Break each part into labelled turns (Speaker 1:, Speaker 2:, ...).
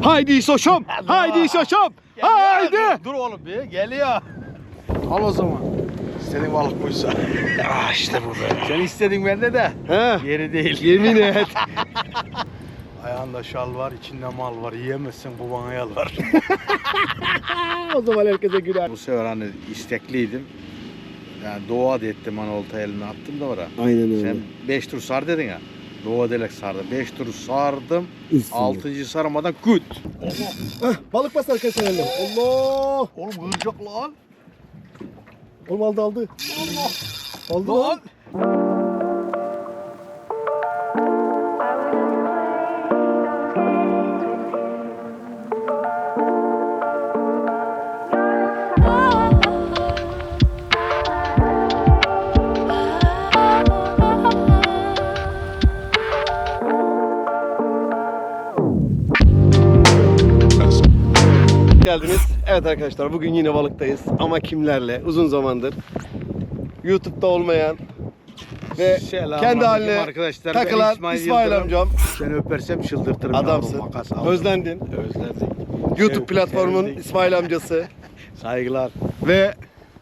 Speaker 1: Haydi Soşum. Haydi Soşum. Haydi.
Speaker 2: Dur oğlum bir geliyor. Al o zaman. İstediğin balık buysa.
Speaker 1: İşte bu be.
Speaker 2: Sen istedin bende de.
Speaker 1: He.
Speaker 2: Yeri değil.
Speaker 1: Yemin et.
Speaker 2: Ayağında şal var, içinde mal var. Yiyemezsin, bu bana yalvar.
Speaker 1: O zaman herkese güler.
Speaker 2: Bu sefer hani istekliydim. Yani doğa da ettim hani olta eline attım da oraya.
Speaker 1: Aynen öyle.
Speaker 2: Sen 5 tur sar dedin ya. Doğa delek sardım. 5 tur sardım.
Speaker 1: Üstüne.
Speaker 2: 6. sarmadan küt.
Speaker 1: Balık bas arkadaşlar elle. Allah.
Speaker 2: Oğlum kıracak lan.
Speaker 1: Oğlum aldı. Allah. Aldı
Speaker 2: Lan.
Speaker 1: Geldiniz. Evet arkadaşlar bugün yine balıktayız ama kimlerle? Uzun zamandır YouTube'da olmayan ve kendi haline
Speaker 2: arkadaşlar.
Speaker 1: takılan
Speaker 2: Ben
Speaker 1: İsmail
Speaker 2: Yıldırım.
Speaker 1: amcam.
Speaker 2: Seni öpersem çıldırtırım.
Speaker 1: Adamsın.
Speaker 2: yavrum, makas aldım.
Speaker 1: Özlendin.
Speaker 2: Özledik.
Speaker 1: YouTube platformun
Speaker 2: sevdik.
Speaker 1: İsmail amcası
Speaker 2: Saygılar.
Speaker 1: ve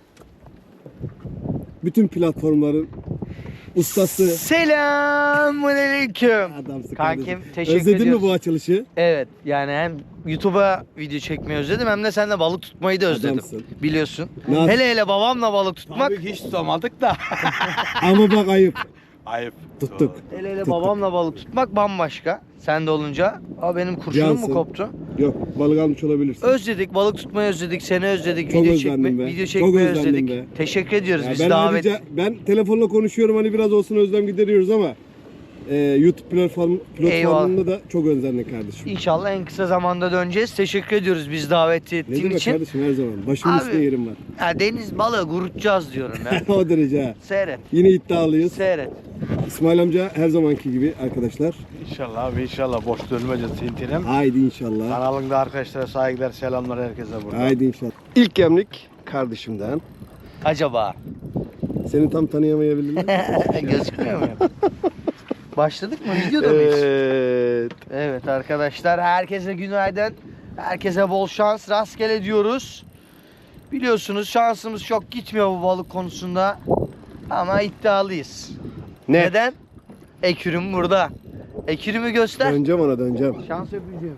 Speaker 1: bütün platformların ustası.
Speaker 3: Selamünaleyküm.
Speaker 1: Adamsın
Speaker 3: Kankim
Speaker 1: kardeşim.
Speaker 3: teşekkür
Speaker 1: Özledin
Speaker 3: ediyoruz.
Speaker 1: mi bu açılışı?
Speaker 3: Evet yani hem YouTube'a video çekmeyi özledim hem de seninle balık tutmayı da özledim.
Speaker 1: Adamsın.
Speaker 3: Biliyorsun.
Speaker 1: Nasıl?
Speaker 3: Hele babamla balık tutmak.
Speaker 2: Tabii hiç tutamadık da.
Speaker 1: Ama bak ayıp.
Speaker 2: Ayıp.
Speaker 1: Tuttuk.
Speaker 3: Hele
Speaker 1: Tuttuk.
Speaker 3: babamla balık tutmak bambaşka. Sen de olunca. Aa benim kurşunum
Speaker 1: Cansın.
Speaker 3: mu koptu?
Speaker 1: Yok balık almış olabilirsin.
Speaker 3: Özledik, balık tutmayı özledik, seni özledik,
Speaker 1: Çok
Speaker 3: video
Speaker 1: özlendim be.
Speaker 3: video
Speaker 1: Çok
Speaker 3: çekmeyi
Speaker 1: özlendim
Speaker 3: özledik.
Speaker 1: be.
Speaker 3: Teşekkür ediyoruz
Speaker 1: Ya
Speaker 3: biz
Speaker 1: ben
Speaker 3: davet.
Speaker 1: ayrıca ben telefonla konuşuyorum hani biraz olsun özlem gideriyoruz ama YouTube platformunda da çok özlendik kardeşim.
Speaker 3: İnşallah en kısa zamanda döneceğiz. Teşekkür ediyoruz biz davet
Speaker 1: Ne
Speaker 3: ettiğin
Speaker 1: demek
Speaker 3: için.
Speaker 1: kardeşim her zaman. Başımın
Speaker 3: Abi.
Speaker 1: üstüne yerim var.
Speaker 3: Ya deniz balığı kurutacağız diyorum ya.
Speaker 1: O derece ha.
Speaker 3: Seyret.
Speaker 1: Yine iddialıyız.
Speaker 3: Seyret.
Speaker 1: İsmail amca her zamanki gibi arkadaşlar.
Speaker 2: İnşallah abi inşallah boş dönmeyeceğiz Tintin'im.
Speaker 1: Haydi inşallah.
Speaker 2: Kanalında arkadaşlara saygılar selamlar herkese burada.
Speaker 1: Haydi inşallah. İlk gemlik kardeşimden.
Speaker 3: Acaba?
Speaker 1: Seni tam tanıyamayabilirim.
Speaker 3: Gözükmüyor mu? Başladık mı? Videoda mıyız?
Speaker 1: Evet.
Speaker 3: Evet arkadaşlar herkese günaydın. Herkese bol şans, rastgele diyoruz. Biliyorsunuz şansımız çok gitmiyor bu balık konusunda. Ama iddialıyız.
Speaker 1: Ne?
Speaker 3: Neden? Ekürüm burada. Ekürümü göster.
Speaker 1: Döneceğim ona döneceğim.
Speaker 3: Şans öpücüğüm.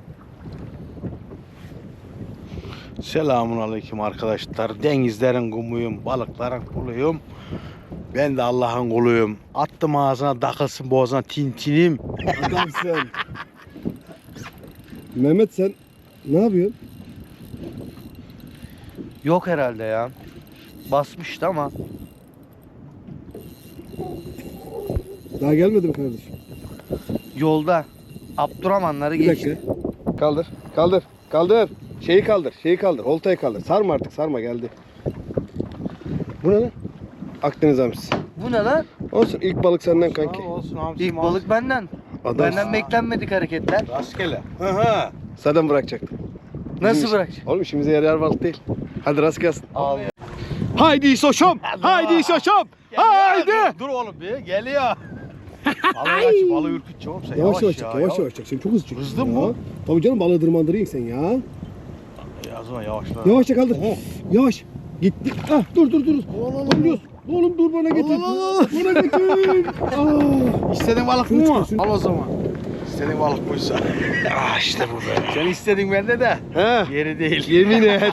Speaker 2: Selamun aleyküm arkadaşlar. Denizlerin kumuyum, balıkların kuluyum. Ben de Allah'ın kuluyum. Attım ağzına takılsın boğazına Tintin'im.
Speaker 1: Adamsın. Mehmet sen ne yapıyorsun?
Speaker 3: Yok herhalde ya. Basmıştı ama.
Speaker 1: Daha gelmedi mi kardeşim?
Speaker 3: Yolda. Abdurrahmanları
Speaker 1: Bir
Speaker 3: geçti.
Speaker 1: dakika. Kaldır. Kaldır. Kaldır. Şeyi kaldır. Şeyi kaldır. Oltayı kaldır. Sarma artık. Sarma geldi. Bu ne lan? Akdeniz hamsisi.
Speaker 3: Bu ne lan?
Speaker 1: Olsun. İlk balık senden kanki.
Speaker 2: Olsun hamsi
Speaker 3: İlk balık benden.
Speaker 1: Adam.
Speaker 3: Benden beklenmedik hareketler.
Speaker 2: Rastgele. Hı hı.
Speaker 1: Zaten bırakacaktım.
Speaker 3: Nasıl bırakacağım?
Speaker 1: Oğlum işimize yarar balık değil. Hadi rast gelsin.
Speaker 3: Al.
Speaker 1: Haydi Soşum. Haydi Soşum. Haydi.
Speaker 2: Dur oğlum bir geliyor. Balığı aç, balığı ürkütçe oğlum sen
Speaker 1: Yavaş yavaş
Speaker 2: ya,
Speaker 1: çek. Yavaş yavaş çek. Sen çok hızlı çek.
Speaker 2: Hızlı mı?
Speaker 1: Tabii canım balığı dırmandırayım sen ya.
Speaker 2: Ya o zaman yavaşla.
Speaker 1: Yavaşça kaldır. Yavaş. Gitti. Ah dur. Oğlum, oğlum dur bana getir. Bana getir.
Speaker 2: İstediğin balık
Speaker 1: Şunu
Speaker 2: bu mu?
Speaker 1: çıkarsın.
Speaker 2: Al o zaman. İstediğin balık buysa.
Speaker 1: İşte bu be.
Speaker 2: Sen istedin bende de.
Speaker 1: He.
Speaker 2: Yeri değil.
Speaker 1: Yemin et.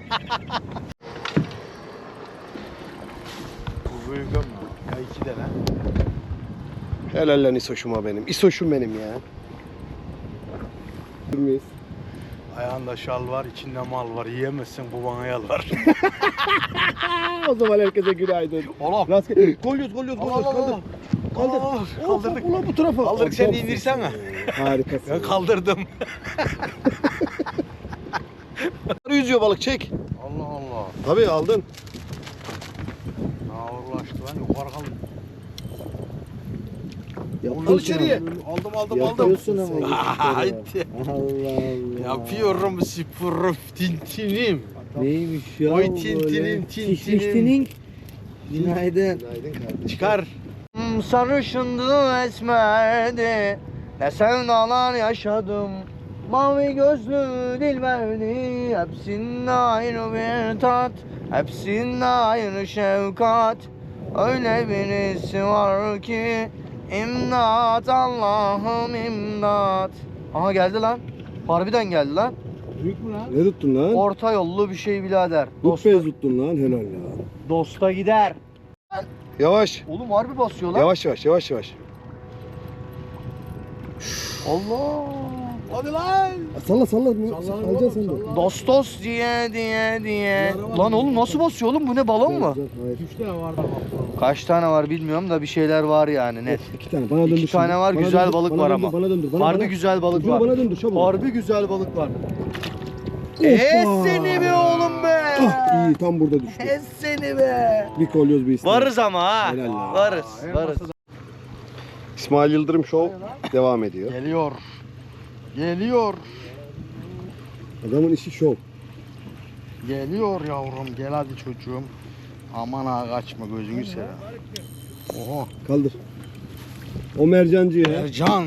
Speaker 2: Bu büyük ama. Ya iki tane.
Speaker 1: Helal lan İsoş'uma benim. İsoş'um benim ya. Durmayız.
Speaker 2: Ayağında şal var, içinde mal var. Yiyemezsin, bu bana yalvar.
Speaker 1: O zaman herkese günaydın.
Speaker 2: Oğlum.
Speaker 1: Rastgele. Kolyoz kaldır.
Speaker 2: Kaldırdık.
Speaker 1: Ulan bu tarafa.
Speaker 2: Kaldırdık, sen de
Speaker 1: Adamsın.
Speaker 2: indirsene.
Speaker 1: Harikasın.
Speaker 2: Ben kaldırdım.
Speaker 1: Yüzüyor balık çek.
Speaker 2: Allah Allah.
Speaker 1: Tabii aldın.
Speaker 2: Ne ağırlaştı lan, yukarı kaldı.
Speaker 1: Al içeriye.
Speaker 2: Aldım.
Speaker 1: Yapıyorsun ama.
Speaker 2: Haydi.
Speaker 1: Allah Allah.
Speaker 2: Yapıyorum sporum Tintin'im.
Speaker 1: Neymiş ya?
Speaker 2: Oy
Speaker 1: bu
Speaker 2: Tintin'im,
Speaker 1: böyle?
Speaker 2: Tintin'im.
Speaker 3: Günaydın.
Speaker 1: Günaydın kardeşim.
Speaker 2: Çıkar.
Speaker 3: Sarışındı esmerdi. Ne sevdalar yaşadım. Mavi gözlü dilberdi, hepsinde ayrı bir tat, hepsinde ayrı şefkat. Öyle birisi var ki imdat, Allah'ım imdat. Aha geldi lan. Harbiden geldi lan.
Speaker 2: Büyük mü lan?
Speaker 1: Ne tuttun lan?
Speaker 3: Orta yollu bir şey birader.
Speaker 1: Dutbez tuttun lan, helal ya.
Speaker 3: Dosta gider.
Speaker 1: Yavaş.
Speaker 3: Oğlum harbi basıyor lan.
Speaker 1: Yavaş yavaş yavaş yavaş.
Speaker 3: Allah.
Speaker 2: Hadi lan.
Speaker 1: Salla salla.
Speaker 2: Alacaksın sen de.
Speaker 3: Dostos diye. Lan oğlum nasıl basıyor oğlum? Bu ne, balon mu?
Speaker 1: Hayır.
Speaker 2: 3 tane vardı bak.
Speaker 3: Kaç tane var bilmiyorum da bir şeyler var yani net.
Speaker 1: 2 tane bana döndür.
Speaker 3: İki tane var, güzel balık var ama.
Speaker 1: Bana döndür.
Speaker 3: Harbi güzel balık var.
Speaker 1: Bana döndür çabuk.
Speaker 3: Harbi güzel balık var.
Speaker 1: Hoppa!
Speaker 3: Seni be oğlum be.
Speaker 1: Ah iyi tam burada düştü.
Speaker 3: Seni be.
Speaker 1: Bir kolyoz bir istedim.
Speaker 3: Varız ama ha.
Speaker 1: Helal ya.
Speaker 3: Varız.
Speaker 1: İsmail Yıldırım Show devam ediyor.
Speaker 2: Geliyor. Geliyor.
Speaker 1: Adamın işi şov.
Speaker 2: Geliyor yavrum. Gel hadi çocuğum. Aman ha kaçma gözünü seveyim. Oho.
Speaker 1: Kaldır. O mercancıya.
Speaker 2: Ercan.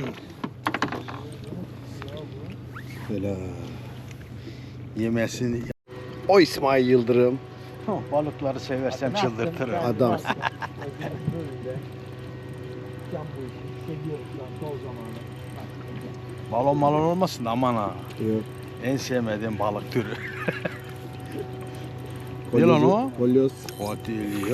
Speaker 1: Helal.
Speaker 2: Yemesini.
Speaker 1: O İsmail Yıldırım.
Speaker 2: Balıkları seversem çıldırtırım.
Speaker 1: Adam.
Speaker 2: Balon malon olmasın da aman ha.
Speaker 1: Yok.
Speaker 2: En sevmediğim balık türü. Ne lan o?
Speaker 1: Kolyoz.
Speaker 2: O değil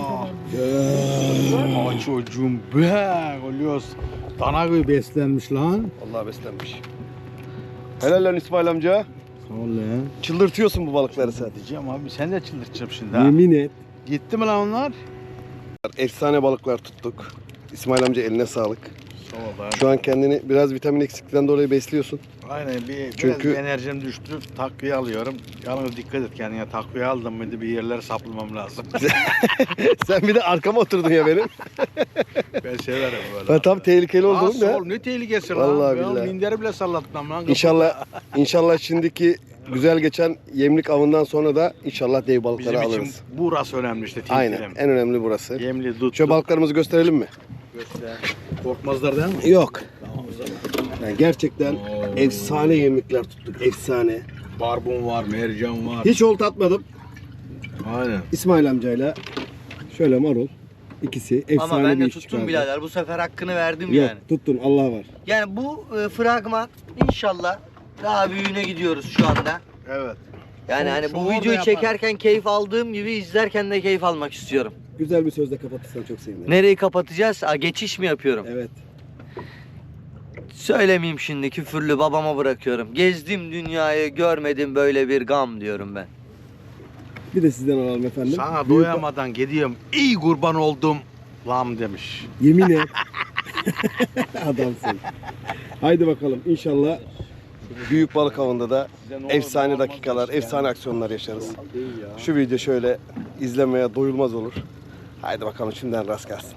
Speaker 2: ya. Aa çocuğum be. Oluyoruz. Dana gibi beslenmiş lan.
Speaker 1: Vallahi beslenmiş. Helal lan İsmail amca.
Speaker 2: Sağ ol lan.
Speaker 1: Çıldırtıyorsun bu balıkları sen.
Speaker 2: Diyeceğim abi sen de çıldırtacağım şimdi ha.
Speaker 1: Yemin et.
Speaker 2: Gitti mi lan onlar?
Speaker 1: Efsane balıklar tuttuk. İsmail amca eline sağlık.
Speaker 2: Sağ ol lan.
Speaker 1: Şu an kendini biraz vitamin eksikliğinden dolayı besliyorsun.
Speaker 2: Aynen
Speaker 1: Çünkü-
Speaker 2: biraz enerjim düştü. Takviye alıyorum. Yalnız dikkat et kendine. Takviye aldım mıydı bir yerlere saplamam lazım.
Speaker 1: Sen bir de arkama oturdun ya benim.
Speaker 2: Ben severim böyle.
Speaker 1: Ben tam tehlikeli oldum
Speaker 2: Nasıl
Speaker 1: da.
Speaker 2: oğlum ne tehlikesi
Speaker 1: Vallahi
Speaker 2: lan.
Speaker 1: billahi.
Speaker 2: Minderi bile sallattım lan.
Speaker 1: İnşallah şimdiki güzel geçen yemlik avından sonra da inşallah dev balıkları
Speaker 2: Bizim için
Speaker 1: alırız.
Speaker 2: burası önemli işte.
Speaker 1: Aynen.
Speaker 2: Tilkilim.
Speaker 1: En önemli burası.
Speaker 2: Yemli dut.
Speaker 1: Şu balıklarımızı gösterelim mi?
Speaker 2: Göster. Korkmazlar değil mi?
Speaker 1: Yok.
Speaker 2: Tamam o zaman.
Speaker 1: Yani gerçekten
Speaker 2: Oo.
Speaker 1: efsane yemlikler tuttuk. Efsane.
Speaker 2: Barbun var, mercan var.
Speaker 1: Hiç olta atmadım.
Speaker 2: Aynen.
Speaker 1: İsmail amcayla şöyle marul. İkisi efsane
Speaker 3: Ama ben
Speaker 1: bir
Speaker 3: de
Speaker 1: iş
Speaker 3: tuttum
Speaker 1: çıkardı.
Speaker 3: birader. Bu sefer hakkını verdim
Speaker 1: Yok
Speaker 3: yani.
Speaker 1: tuttun Allah var.
Speaker 3: Yani bu fragman inşallah daha büyüğüne gidiyoruz şu anda.
Speaker 2: Evet.
Speaker 3: Yani
Speaker 2: Şu-
Speaker 3: hani
Speaker 2: şu
Speaker 3: bu
Speaker 2: orada
Speaker 3: videoyu
Speaker 2: yapar.
Speaker 3: çekerken keyif aldığım gibi izlerken de keyif almak istiyorum.
Speaker 1: Güzel bir sözle kapatırsan çok sevinirim.
Speaker 3: Nereyi kapatacağız? Geçiş mi yapıyorum?
Speaker 1: Evet.
Speaker 3: Söylemeyeyim şimdi, küfürlü babama bırakıyorum. Gezdim dünyayı, görmedim böyle bir gam diyorum ben.
Speaker 1: Bir de sizden alalım efendim.
Speaker 2: Sana
Speaker 1: Büyük-
Speaker 2: doyamadan gidiyorum. İyi kurban oldum. Lam demiş.
Speaker 1: Yemin et. Adamsın. Haydi bakalım inşallah büyük balık avında da efsane dakikalar, efsane aksiyonlar yaşarız. Şu video şöyle izlemeye doyulmaz olur. Haydi bakalım şimdiden rast gelsin.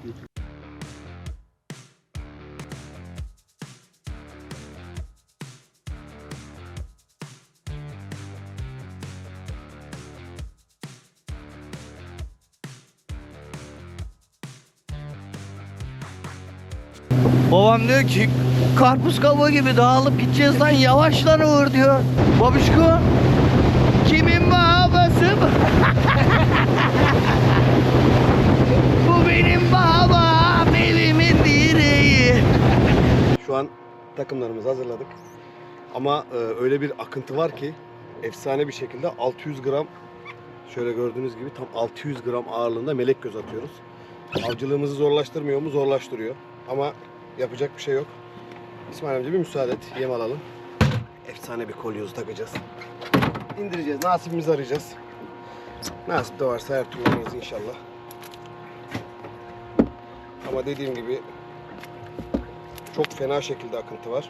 Speaker 3: Babam diyor ki karpuz kabuğu gibi dağılıp gideceğiz lan, yavaş lan Uğur diyor. Babişko kimin babası bu? Bu benim babam, evimin direği.
Speaker 1: Şu an takımlarımızı hazırladık. Ama öyle bir akıntı var ki efsane bir şekilde 600 gram, şöyle gördüğünüz gibi tam 600 gram ağırlığında melek göz atıyoruz. Avcılığımızı zorlaştırmıyor mu? Zorlaştırıyor. Ama yapacak bir şey yok. İsmail amca bir müsaade et. Yem alalım. Efsane bir kolyozu takacağız. İndireceğiz. Nasibimizi arayacağız. Nasip de varsa her türlü alırız inşallah. Ama dediğim gibi çok fena şekilde akıntı var.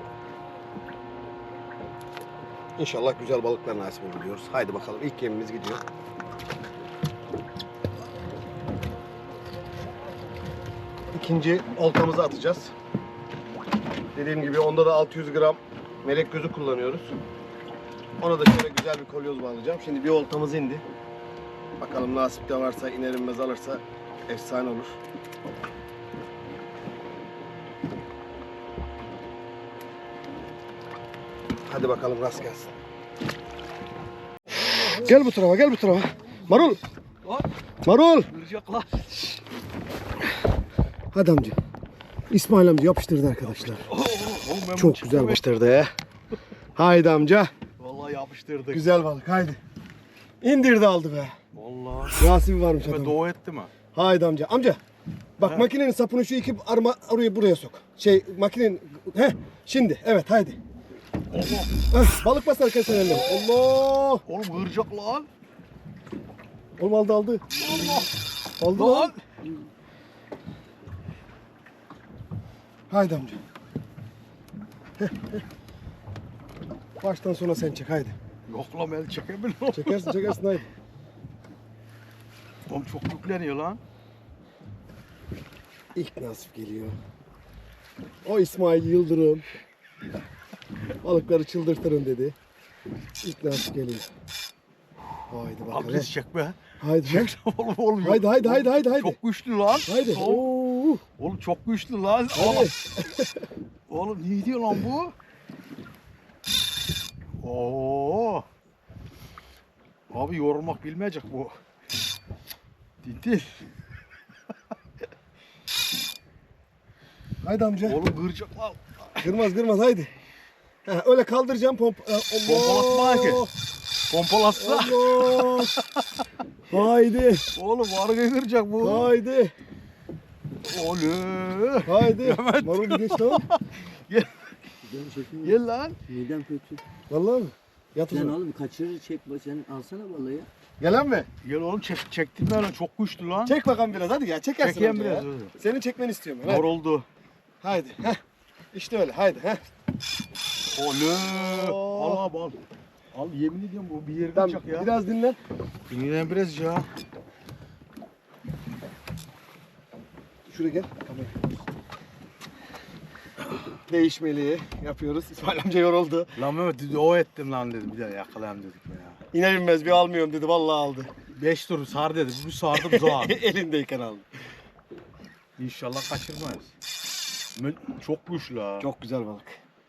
Speaker 1: İnşallah güzel balıklar nasip olur diyoruz. Haydi bakalım ilk yemimiz gidiyor. İkinci oltamızı atacağız. Dediğim gibi onda da 600 gram melek gözü kullanıyoruz. Ona da şöyle güzel bir kolyoz bağlayacağım. Şimdi bir oltamız indi. Bakalım nasip de varsa, iner inmez alırsa efsane olur. Hadi bakalım rast gelsin. Gel bu tarafa, gel bu tarafa. Marul. Marul.
Speaker 2: Vuracaklar.
Speaker 1: Hadi amca. İsmail amca yapıştırdı arkadaşlar. Çok güzel yapıştırdı. Haydi amca.
Speaker 2: Vallahi yapıştırdık.
Speaker 1: Güzel balık haydi. İndirdi aldı be.
Speaker 2: Vallahi.
Speaker 1: Nasibi varmış
Speaker 2: Ve
Speaker 1: adam.
Speaker 2: doğu etti mi?
Speaker 1: Haydi amca. Amca. Bak makinenin sapını şu iki arma oraya buraya sok. Makinenin şimdi evet haydi.
Speaker 2: Allah.
Speaker 1: Balık basarken sen elle. Allah.
Speaker 2: Oğlum hırcak lan.
Speaker 1: Oğlum aldı aldı.
Speaker 2: Allah.
Speaker 1: Aldı lan. Haydi amca. Baştan sona sen çek haydi.
Speaker 2: Yok lan el çekemiyorum.
Speaker 1: Çekersin haydi.
Speaker 2: Oğlum çok yükleniyor lan.
Speaker 1: İlk nasip geliyor. O İsmail Yıldırım. Balıkları çıldırtırım dedi. İlk nasip geliyor. Haydi bakalım.
Speaker 2: Abi biz çek be.
Speaker 1: Haydi lan.
Speaker 2: Oğlum oğlum.
Speaker 1: Haydi.
Speaker 2: Çok güçlü lan.
Speaker 1: Haydi. Oo.
Speaker 2: Oğlum çok güçlü lan.
Speaker 1: Haydi.
Speaker 2: Oğlum ne diyor lan bu? Oo. Abi yorulmak bilmeyecek bu. Tintin.
Speaker 1: Haydi amca.
Speaker 2: Oğlum kıracak lan.
Speaker 1: Kırmaz haydi. Öyle kaldıracağım
Speaker 2: Pompalatma ki. Pompalatsa.
Speaker 1: Allah. Haydi.
Speaker 2: Oğlum vargayı kıracak bu.
Speaker 1: Haydi.
Speaker 2: Oğlum.
Speaker 1: Haydi.
Speaker 2: Mehmet.
Speaker 1: Marul bir geç tamam.
Speaker 2: Gel. Gel lan.
Speaker 4: Midem kötü.
Speaker 1: Vallahi mi? Yat o
Speaker 4: Sen
Speaker 1: zaman.
Speaker 4: oğlum kaçırır çek sen alsana balığı ya.
Speaker 1: Gelen mi?
Speaker 2: Gel oğlum çektim ben lan çok güçlü lan.
Speaker 1: Çek bakalım biraz hadi ya. Çekersin
Speaker 2: Çekeyim
Speaker 1: amca
Speaker 2: biraz.
Speaker 1: ya. Senin çekmeni istiyorum ben. Hadi.
Speaker 2: Yoruldu.
Speaker 1: Haydi. İşte öyle. Haydi.
Speaker 2: Oğlum.
Speaker 1: Oo.
Speaker 2: Al abi al. Al yemin ediyorum bu bir yeri
Speaker 1: Tamam.
Speaker 2: kıracak ya.
Speaker 1: Biraz dinlen.
Speaker 2: Dinlen biraz ya.
Speaker 1: Şuraya gel. Değişmeli yapıyoruz. İsmail amca yoruldu.
Speaker 2: Lan Mehmet o ettim lan dedim. Bir de yakalayayım dedik ya.
Speaker 1: İner inmez bir almıyorum dedi. Vallahi aldı.
Speaker 2: 5 tur sar dedi. Bu sardı bu zor.
Speaker 1: Elindeyken aldı.
Speaker 2: İnşallah kaçırmayız. Çok güçlü ha.
Speaker 1: Çok güzel balık.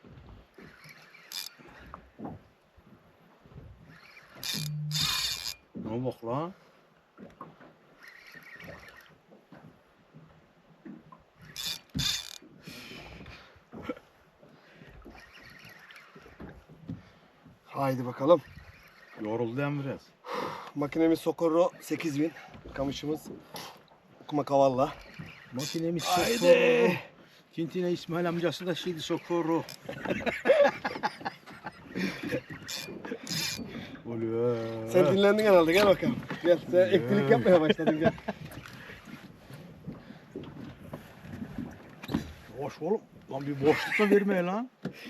Speaker 2: Ne bak lan.
Speaker 1: Haydi bakalım.
Speaker 2: Yoruldu hem biraz.
Speaker 1: Makinemiz Socorro 8000. Kamışımız okuma kavalla.
Speaker 2: Makinemiz
Speaker 1: Haydi.
Speaker 2: Socorro. Tintine İsmail amcası da şeydi Socorro. Oluyor.
Speaker 1: Sen dinlendin herhalde. Gel bakalım. Gel. Sen eklilik yapmaya başladın. Gel.
Speaker 2: Boş oğlum. Lan bir boşlukta vermeye lan.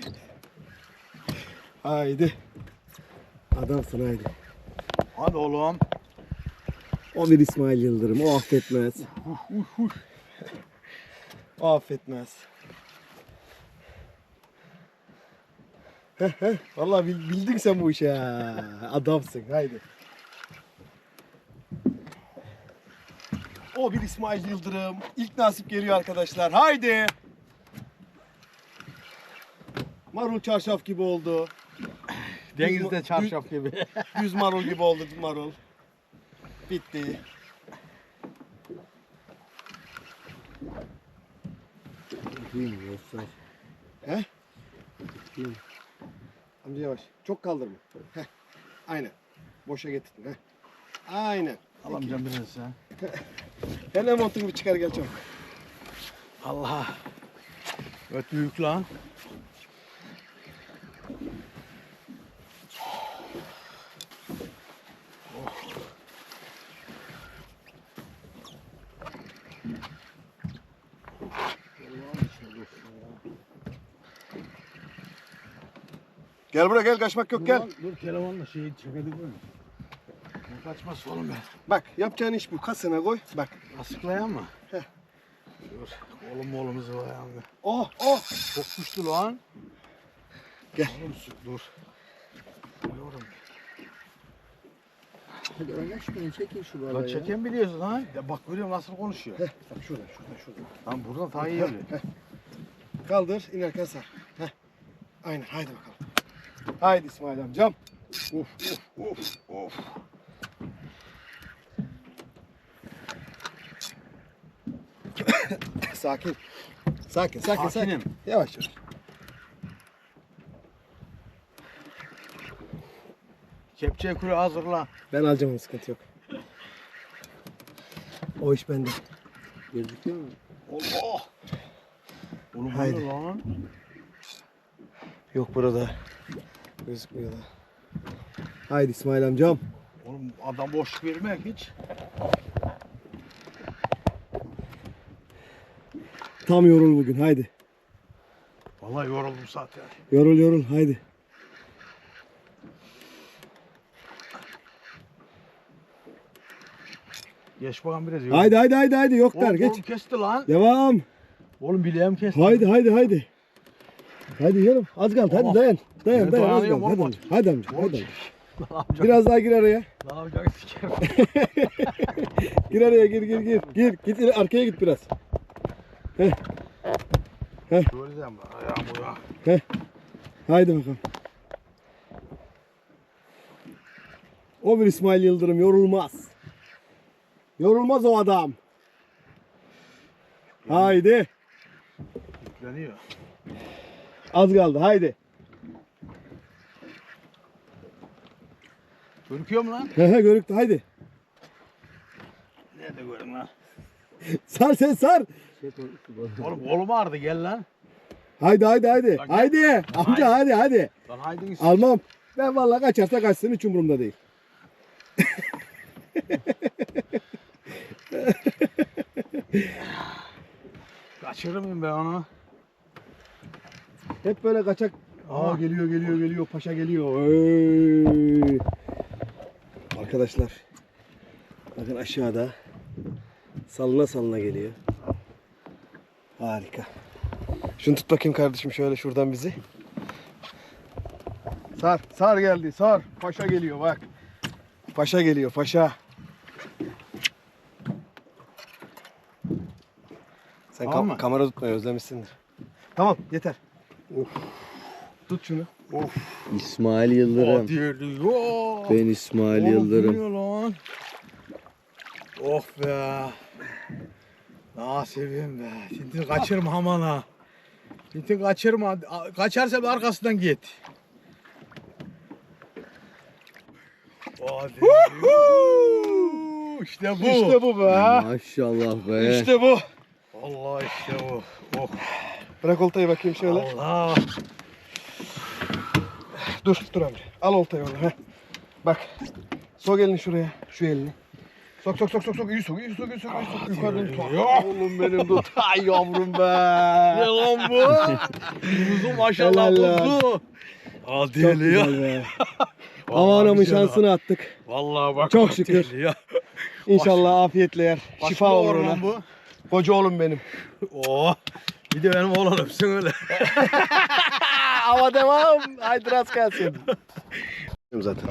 Speaker 1: Haydi. Adamsın haydi.
Speaker 2: Hadi oğlum.
Speaker 1: O bir İsmail Yıldırım. O affetmez. O affetmez. Vallahi bildin sen bu işi ha. Adamsın. Haydi. O bir İsmail Yıldırım. İlk nasip geliyor arkadaşlar. Haydi. Marul çarşaf gibi oldu.
Speaker 2: Denizde çarşaf gibi.
Speaker 1: Düz marul gibi oldu marul. Bitti.
Speaker 4: Duymuyor yoksa.
Speaker 1: He? Amca yavaş. Çok kaldırma. Heh. Aynen. Boşa getirdin. Heh. Aynen.
Speaker 2: Al amcam biraz sen.
Speaker 1: Hemen montunu bir çıkar gel çabuk.
Speaker 2: Allah. Öt büyük lan.
Speaker 1: Gel buraya gel kaçmak yok gel.
Speaker 2: Dur telefonla şeyi çekelim mi? Kaçmaz oğlum ben.
Speaker 1: Bak yapacağın iş bu. Kasına koy. Bak.
Speaker 2: Asıklayan mı?
Speaker 1: Heh.
Speaker 2: Dur. Oğlumuzu var yani.
Speaker 1: Oh oh.
Speaker 2: Çok güçlü lan.
Speaker 1: Gel.
Speaker 2: Oğlum dur. Yorum.
Speaker 4: Hadi oynaşmayın çekin şu balığı
Speaker 2: Lan
Speaker 4: ya.
Speaker 2: çeken biliyorsun ha. Ya bak görüyorum nasıl konuşuyor.
Speaker 1: Heh. Bak şurada.
Speaker 2: Lan buradan daha iyi geliyor.
Speaker 1: Kaldır inerken sar. Heh. Aynen haydi bakalım. Haydi İsmail amcam. Of of of. Sakin. Sakin.
Speaker 2: Sakinim.
Speaker 1: Yavaş yavaş.
Speaker 2: Kepçe kuru hazırla.
Speaker 1: Ben alacağım, sıkıntı yok. O iş bende.
Speaker 4: Gözüküyor mu?
Speaker 2: Allah. Oğlum
Speaker 1: Haydi.
Speaker 2: haydi. Lan.
Speaker 1: Yok burada. Gözükmüyor da. Haydi İsmail amcam.
Speaker 2: Oğlum adam boş vermek hiç.
Speaker 1: Tam yorul bugün, haydi.
Speaker 2: Vallahi yoruldum zaten.
Speaker 1: Yorul haydi.
Speaker 2: Geç bakalım biraz.
Speaker 1: Haydi yok der,
Speaker 2: Oğlum,
Speaker 1: geç.
Speaker 2: oğlum kesti lan.
Speaker 1: Devam.
Speaker 2: Oğlum bileğim kesti.
Speaker 1: Haydi. Hadi yiyelim. Az kaldı.
Speaker 2: Tamam.
Speaker 1: Hadi dayan. Dayan. Az
Speaker 2: dayanıyorum
Speaker 1: kaldı.
Speaker 2: oğlum.
Speaker 1: Hadi amca.
Speaker 2: Oğlum,
Speaker 1: Hadi amca.
Speaker 2: Ne yapacak?
Speaker 1: Biraz daha gir araya.
Speaker 2: Ne yapacak sikerim.
Speaker 1: Gir araya gir. Git arkaya git biraz.
Speaker 2: Göreceğim ben ayağım bu ya.
Speaker 1: Haydi bakalım. O bir İsmail Yıldırım yorulmaz. Yorulmaz o adam. Haydi.
Speaker 2: Yükleniyor.
Speaker 1: Az kaldı. Haydi.
Speaker 2: Görüküyor mu lan?
Speaker 1: Görüktü. Haydi.
Speaker 2: Nerede görün lan?
Speaker 1: Sar sen sar.
Speaker 4: Çek o şu balığı.
Speaker 2: Oğlum kolum ağrıdı gel lan.
Speaker 1: Haydi.
Speaker 2: Lan
Speaker 1: Haydi. Amca hadi.
Speaker 2: Lan haydi git.
Speaker 1: Almam. Ben vallahi kaçarsa kaçsın, hiç umurumda değil.
Speaker 2: Kaçırır mıyım ben onu?
Speaker 1: Hep böyle kaçak.
Speaker 2: Aa.
Speaker 1: Geliyor. Paşa geliyor. Ey. Arkadaşlar. Bakın aşağıda. Salına geliyor. Harika. Şunu tut bakayım kardeşim şöyle şuradan bizi. Sar geldi. Sar. Paşa geliyor bak. Paşa geliyor. Paşa. Sen
Speaker 2: Tamam mı?
Speaker 1: kamera tutmayı özlemişsindir. Tamam yeter. Of. Tut şunu.
Speaker 2: Of.
Speaker 4: İsmail Yıldırım.
Speaker 2: Diyor.
Speaker 4: Ben İsmail
Speaker 2: Oğlum
Speaker 4: Yıldırım.
Speaker 2: biliyor lan. Oh be. Nasibim be. Tintin kaçırma aman ha. Tintin kaçırma. Kaçarsa bir arkasından git. Hadi. İşte bu.
Speaker 1: İşte bu be.
Speaker 4: Maşallah be.
Speaker 1: İşte bu.
Speaker 2: Allah işte bu. Oh.
Speaker 1: Bırak oltayı bakayım şöyle.
Speaker 2: Allah.
Speaker 1: Dur amca. Al oltayı orada. Heh. Bak. Sok elini şuraya. Şu elini. Sok. İyi sok. Yukarıdan tut. Oğlum benim tut. Ay yavrum be.
Speaker 2: Ne lan bu? Kuzu maşallah
Speaker 1: Helal lan.
Speaker 2: kuzu.
Speaker 1: Çok
Speaker 2: Hadi ya.
Speaker 1: güzel be. Hava anamın
Speaker 2: güzel ha.
Speaker 1: şansını attık.
Speaker 2: Vallahi bak.
Speaker 1: Çok
Speaker 2: bak
Speaker 1: şükür.
Speaker 2: deli ya.
Speaker 1: İnşallah afiyetle yer.
Speaker 2: Başka
Speaker 1: Şifa olur
Speaker 2: var
Speaker 1: ona.
Speaker 2: lan bu.
Speaker 1: Koca oğlum benim.
Speaker 2: Oh. Bir de benim oğlan öpsün öyle.
Speaker 1: Hava devam. Haydi rast gelsin. Zaten.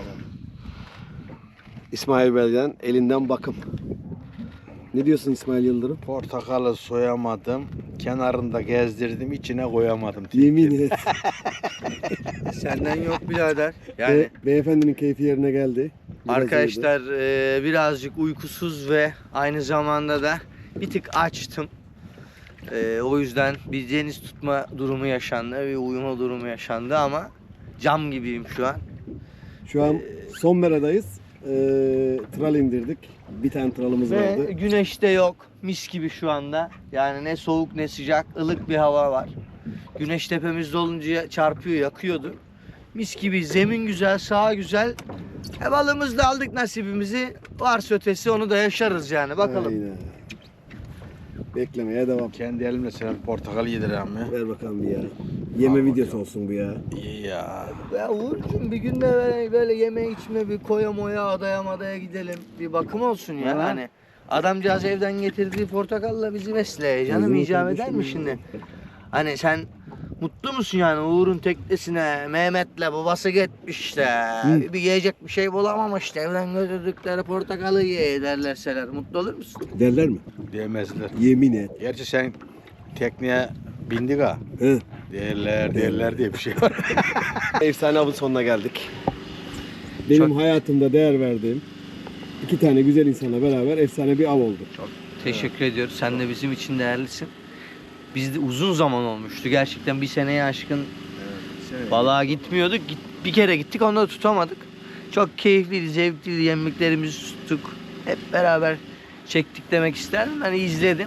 Speaker 1: İsmail Bey'den elinden bakım. Ne diyorsun İsmail Yıldırım?
Speaker 2: Portakalı soyamadım. Kenarında gezdirdim. içine koyamadım.
Speaker 1: Yemin et.
Speaker 3: Senden yok birader. Yani
Speaker 1: Beyefendinin keyfi yerine geldi. Biraz
Speaker 3: arkadaşlar birazcık uykusuz ve aynı zamanda da bir tık açtım. O yüzden bir deniz tutma durumu yaşandı, bir uyuma durumu yaşandı ama cam gibiyim şu an.
Speaker 1: Şu an son meradayız. Tral indirdik. Bir tane tralımız
Speaker 3: Ve
Speaker 1: vardı.
Speaker 3: güneş de yok. Mis gibi şu anda. Yani ne soğuk ne sıcak, ılık bir hava var. Güneş tepemizde olunca çarpıyor, yakıyordu. Mis gibi, zemin güzel, saha güzel. Balığımızı da aldık nasibimizi. Varsa ötesi onu da yaşarız yani. Bakalım.
Speaker 1: Aynen. Beklemeye devam.
Speaker 2: Kendi elimle sana portakal yedireyim ya.
Speaker 1: Ver bakalım bir ya. Yeme videosu olsun bu ya.
Speaker 2: İyi ya.
Speaker 3: Ya Uğur'cum bir gün de böyle yeme içme bir koya moya adaya gidelim. Bir bakım olsun ya.
Speaker 1: Ha.
Speaker 3: Hani adamcağız evden getirdiği portakalla bizi besleye. Canım
Speaker 1: Bizim
Speaker 3: icap eder
Speaker 1: kardeşim
Speaker 3: mi
Speaker 1: ya.
Speaker 3: şimdi? Hani sen mutlu musun yani Uğur'un teknesine Mehmet'le babası gitmiş işte. Bir yiyecek bir şey bulamamış da evden götürdükleri portakalı ye derlerseler mutlu olur musun?
Speaker 1: Derler mi?
Speaker 2: Diyemezler.
Speaker 1: Yemin et.
Speaker 2: Gerçi sen tekneye Bindiga.
Speaker 1: Hı.
Speaker 2: Değerler diye bir şey var.
Speaker 1: Efsane avın sonuna geldik.
Speaker 5: Benim
Speaker 3: Çok-
Speaker 5: hayatımda değer verdiğim 2 tane güzel insanla beraber efsane bir av oldu.
Speaker 3: Teşekkür ediyoruz. Sen de bizim için değerlisin. Biz de uzun zaman olmuştu. Gerçekten bir seneye aşkın balığa gitmiyorduk. Bir kere gittik, onu da tutamadık. Çok keyifliydi, zevkliydi. Yemliklerimizi tuttuk. Hep beraber çektik demek isterdim. Ben izledim.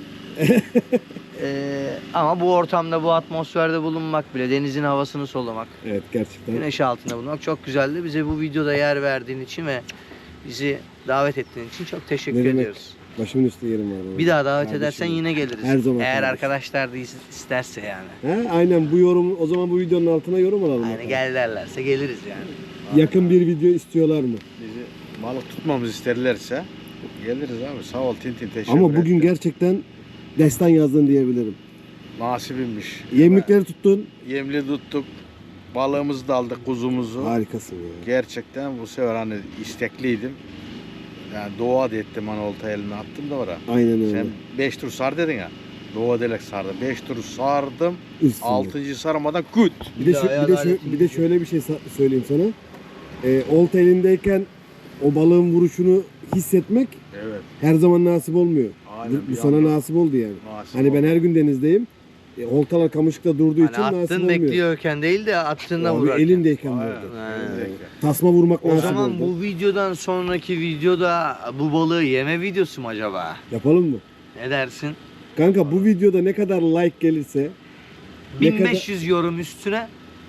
Speaker 3: Ama bu ortamda, bu atmosferde bulunmak bile, denizin havasını solumak,
Speaker 5: Evet, gerçekten.
Speaker 3: güneş altında bulunmak çok güzeldi. Bize bu videoda yer verdiğin için ve bizi davet ettiğin için çok teşekkür
Speaker 5: Ne demek?
Speaker 3: ediyoruz.
Speaker 5: Başımın üstü yerim var. baba.
Speaker 3: Bir daha davet
Speaker 5: Kardeşim
Speaker 3: edersen
Speaker 5: benim.
Speaker 3: yine geliriz.
Speaker 5: Her zaman
Speaker 3: Eğer
Speaker 5: kardeşim.
Speaker 3: arkadaşlar da isterse yani.
Speaker 5: He, aynen bu yorum, o zaman bu videonun altına yorum alalım.
Speaker 3: Yani
Speaker 5: bakalım.
Speaker 3: gel derlerse geliriz yani.
Speaker 5: Yakın bir video istiyorlar mı?
Speaker 2: Bizi balık tutmamızı isterlerse geliriz abi. Sağ ol Tintin, teşekkür
Speaker 5: Ama bugün
Speaker 2: ederim.
Speaker 5: gerçekten destan yazdın diyebilirim.
Speaker 2: Nasibimmiş.
Speaker 5: Yemlikleri tuttun.
Speaker 2: Yemli tuttuk. Balığımızı da aldık, kuzumuzu.
Speaker 5: Harikasın ya.
Speaker 2: Gerçekten bu sefer hani istekliydim. Yani doğa da ettim, hani olta elime attım da oraya.
Speaker 5: Aynen öyle.
Speaker 2: Sen 5 tur sar dedin ya. Doğa delek sardım. 5 tur sardım.
Speaker 5: Üstünde.
Speaker 2: 6. sarmadan küt.
Speaker 5: Bir de şöyle bir şey söyleyeyim sana. Olta elindeyken o balığın vuruşunu hissetmek
Speaker 2: Evet.
Speaker 5: her zaman nasip olmuyor.
Speaker 2: Aynen,
Speaker 5: Bu
Speaker 2: bir
Speaker 5: sana
Speaker 2: anda
Speaker 5: nasip oldu yani.
Speaker 2: nasip
Speaker 5: Hani ben
Speaker 2: oldu.
Speaker 5: her gün denizdeyim. Oltalar kamışlıkta durduğu için
Speaker 3: Hani
Speaker 5: nasip
Speaker 3: attın
Speaker 5: olmuyor.
Speaker 3: bekliyorken değil de attığında
Speaker 5: Abi
Speaker 3: vurarken.
Speaker 5: elindeyken
Speaker 2: Aynen.
Speaker 5: vurdu.
Speaker 2: Elindeyken.
Speaker 5: Tasma vurmak
Speaker 3: O
Speaker 5: nasip
Speaker 3: zaman
Speaker 5: oldu.
Speaker 3: bu videodan sonraki videoda bu balığı yeme videosu mu acaba?
Speaker 5: Yapalım mı?
Speaker 3: Ne dersin?
Speaker 5: Kanka bu videoda ne kadar like gelirse ne kadar
Speaker 3: 1500 yorum üstüne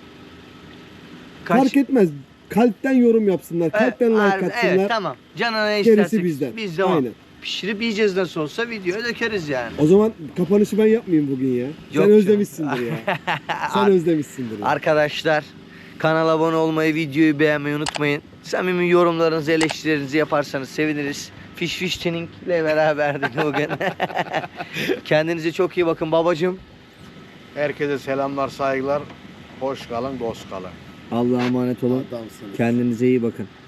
Speaker 5: fark etmez. Kalpten yorum yapsınlar. Kalpten like atsınlar.
Speaker 3: Evet, tamam. Canına ne
Speaker 5: Gerisi
Speaker 3: istersek
Speaker 5: bizden.
Speaker 3: biz devam.
Speaker 5: Aynen.
Speaker 3: Pişirip yiyeceğiz nasıl olsa, videoya dökeriz yani.
Speaker 5: O zaman kapanışı ben yapmayayım bugün ya.
Speaker 3: Yok
Speaker 5: Sen
Speaker 3: canım.
Speaker 5: özlemişsindir ya. Sen özlemişsindir ya.
Speaker 3: Arkadaşlar, kanala abone olmayı, videoyu beğenmeyi unutmayın. Samimi yorumlarınızı, eleştirilerinizi yaparsanız seviniriz. Fish Fish Tuning ile beraberdik bugün. Kendinize çok iyi bakın babacığım.
Speaker 2: Herkese selamlar, saygılar. Hoş kalın, dost kalın.
Speaker 4: Allah'a emanet olun.
Speaker 5: Adamsınız.
Speaker 4: Kendinize iyi bakın.